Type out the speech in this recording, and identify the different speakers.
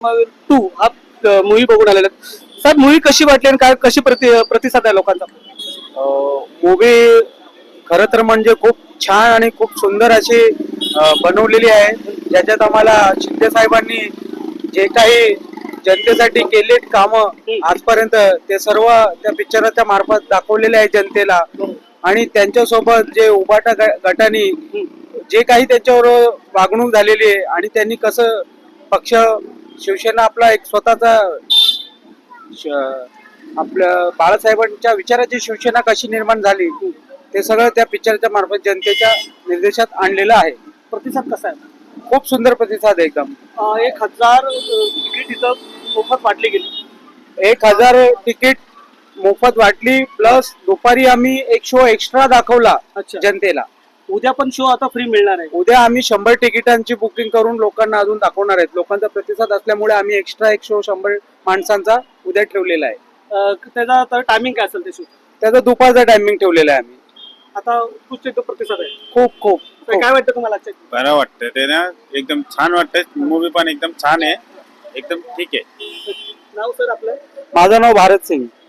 Speaker 1: To हा movie बघून आलेला सर. मूवी कशी वाटली आणि काय कशी प्रतिसाद आहे लोकांचा?
Speaker 2: मूवी खरं तर म्हणजे खूप छान आणि खूप सुंदर अशी बनवलेली आहे. ज्याच्यात आम्हाला शिंदे साहेबांनी जे काही जनतेसाठी केलेत कामं आजपर्यंत ते सर्व त्या पिक्चराच्या मार्फत दाखवलेले आहे जनतेला. आणि त्यांच्यासोबत जे उबाटा गटाने जे काही त्यांच्यावर वागणूक झालेली आहे आणि त्यांनी कसं पक्ष शिवसेना आपला एक स्वतःचा आपल्या बाळासाहेबांच्या विचाराची शिवसेना कशी निर्माण झाली ते सगळं त्या पिक्चरच्या मार्फत जनतेच्या निर्देशात आणलेलं आहे.
Speaker 1: प्रतिसाद कसा आहे?
Speaker 2: खूप सुंदर प्रतिसाद आहे एकदम.
Speaker 1: 1000 तिकीट इथं मोफत वाटली गेली.
Speaker 2: 1000 तिकीट मोफत वाटली प्लस दुपारी आम्ही एक शो एक्स्ट्रा दाखवला
Speaker 1: अच्छा.
Speaker 2: जनतेला.
Speaker 1: उद्या पण शो आता फ्री मिळणार आहे.
Speaker 2: उद्या आम्ही 100 तिकिटांची बुकिंग करून लोकांना अजून दाखवणार आहेत. लोकांचा प्रतिसाद असल्यामुळे आम्ही एक्स्ट्रा एक शो 100 माणसांचा उद्या ठेवलेला आहे.
Speaker 1: त्याचा तर टायमिंग काय असेल ते शो?
Speaker 2: त्याचा दुपारचा टायमिंग ठेवलेला आहे आम्ही.
Speaker 1: आता तुझे तो प्रतिसाद आहे.
Speaker 2: खूप खूप
Speaker 1: तर काय वाटतं तुम्हाला आजच्या?
Speaker 3: बरं वाटतं ते ना, एकदम छान वाटतंय. मूवी पण एकदम छान आहे, एकदम ठीक आहे.
Speaker 1: नाव सर आपलं?
Speaker 2: माझं नाव भारत सिंग.